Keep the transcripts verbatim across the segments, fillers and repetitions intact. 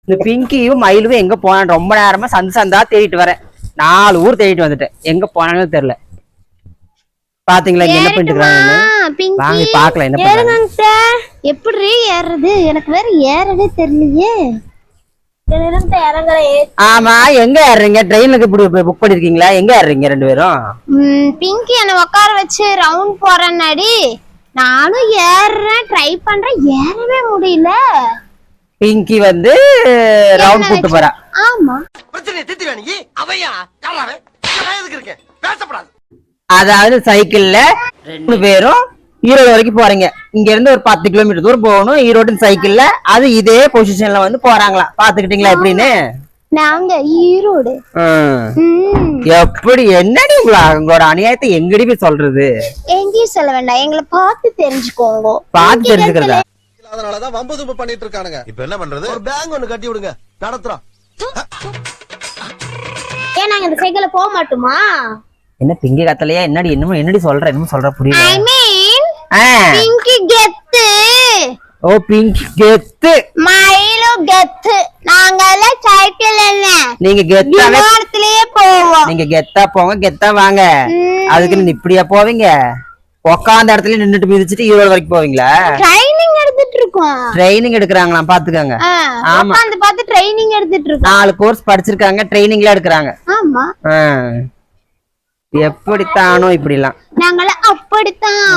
இந்த பிங்கியும் மயிலும் எங்க போனான்னு ரொம்ப நேரமா சந்து சந்தா தேடிட்டு வரேன். நாலு ஊர் தேடிட்டு வந்துட்டேன், எங்க போனாலும் தெரியல. பாத்தீங்களா இங்க என்ன பண்ணிட்டு இருக்காங்க? வாங்க பாக்கலாம் என்ன பண்றாங்க. எப்படி ஏறது எனக்கு வேற ஏறவே தெரியலையே. ஆமா எங்க ஏறீங்க? ட்ரெயினுக்கு இப்படி புக் பண்ணிருக்கீங்களா? எங்க ஏறீங்க ரெண்டு பேரும்? பிங்கி என்ன உட்கார வச்சு ரவுண்ட் போறேன்னாடி நானும் ஏறேன், ட்ரை பண்றேன், ஏறவே முடியல. பிங்கி வந்து ரவுண்ட் கூட்டு போறா. ஆமா பிரச்சனை தீர்த்து வேணி அவையா யாராவே எதுக்கு இருக்கேன் பேசப்படாது. அதாவது சைக்கிள்ல ரெண்டு பேரும் ஈரோடு வரைக்கும் போறீங்க. இங்க இருந்து ஒரு பத்து கிலோமீட்டர் தூரம் போகணும் ஈரோடு சைக்கிள்ல. அது இதே பொசிஷன்ல வந்து போறாங்களா, பாத்துக்கிட்டீங்களா எப்படின்னு? நாங்க ஈரோடு. எப்படி என்னடி உங்களா உங்களோட அநியாயத்தை எங்கடி போய் சொல்றது? எங்கேயும் சொல்ல வேண்டாம், எங்களை பார்த்து தெரிஞ்சுக்கோங்க. பார்த்து தெரிஞ்சுக்கிறதா? அதனாலதான் வம்பு தும்பு பண்ணிட்டு இருக்கானுங்க. இப்ப என்ன பண்றது? ஒரு பேங்க் ஒண்ணு கட்டி விடுங்க, நடத்துறோம். ஏன் நாங்க இந்த சைக்கிள்ல போக மாட்டோமா? என்ன பிங்கி கத்தலையா? என்னடி என்னமோ என்னடி சொல்ற என்னமோ சொல்ற புரியல. ஐ மீன் பிங்கி கெத்து. ஓ பிங்கி கெத்து, மயிலு கெத்து. நாங்க எல்லாம் சைக்கிள் இல்ல, நீங்க கெத்தாவே இடத்துலயே போவோம். நீங்க கெத்தா போங்க கெத்தா வாங்க. அதுக்கு நீ இப்படியா போவீங்க? உக்காந்த இடத்துல நின்னுட்டு மிதிச்சிட்டு ஈரோடு வரைக்கும் போவீங்களா? ட்ரைனிங் எடுத்துட்டு இருக்கோம். ட்ரைனிங் எடுக்கறாங்களாம் பாத்துக்கங்க. ஆமா உட்கார்ந்து பார்த்து ட்ரைனிங் எடுத்துட்டு இருக்கோம். நாலு கோர்ஸ் படிச்சிருக்காங்க, ட்ரைனிங்ல எடுக்கறாங்க. ஆமா எப்படித்தானோ இப்படிலாம் நாங்கள அப்படித்தான்.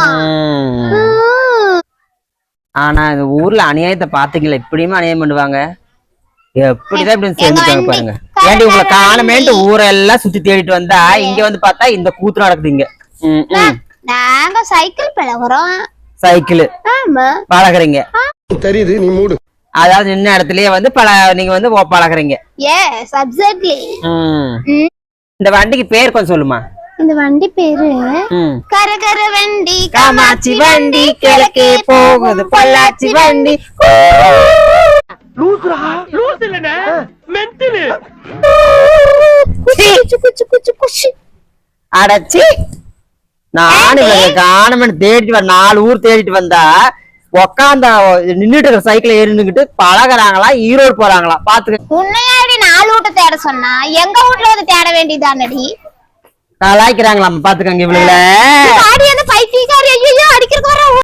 ஆனா இந்த ஊர்ல அநியாயத்தை பாத்தீங்களா? இப்படியுமே அநியாயம் பண்ணுவாங்க. எப்படிதான் இப்படி செஞ்சுட்டாங்க பாருங்க. ஏன்டி உங்களை காணமேன்ட்டு ஊரெல்லாம் சுத்தி தேடிட்டு வந்தா இங்க வந்து பார்த்தா இந்த கூத்து நடக்குது இங்க. நாங்க சைக்கிள் பழகுறோம். சைக்கிள் ஆமா பழகுறீங்க தெரியுது, நீ மூடு. அதாவது நின்ன இடத்துலயே வந்து பழ நீங்க வந்து பழகுறீங்க. Yes exactly. இந்த வண்டிக்கு பேர் கொஞ்சம் சொல்லுமா? இந்த வண்டி பேரு கரகர வண்டி, காமாட்சி வண்டி, கிழக்கே போகுது பொள்ளாச்சி வண்டி. லூசுரா லூசு இல்லனே மென்டல். அடச்சி நானு காணமன் தேடிட்டு வர நாலு ஊர் தேடிட்டு வந்தா உக்காந்த நின்னுட்டு இருக்கிற சைக்கிள் ஏறினுக்கிட்டு பழகுறாங்களா ஈரோடு போறாங்களா பாத்துக்க. உன்னையாடி நாலு வீட்டை தேட சொன்னா எங்க வீட்டுல வந்து தேட வேண்டியதானடி. கலாய்க்கிறாங்களாம் பாத்துக்கங்க இவளுல. பைத்தியக்காரி ஐயோ அடிக்கிறதுக்கு வர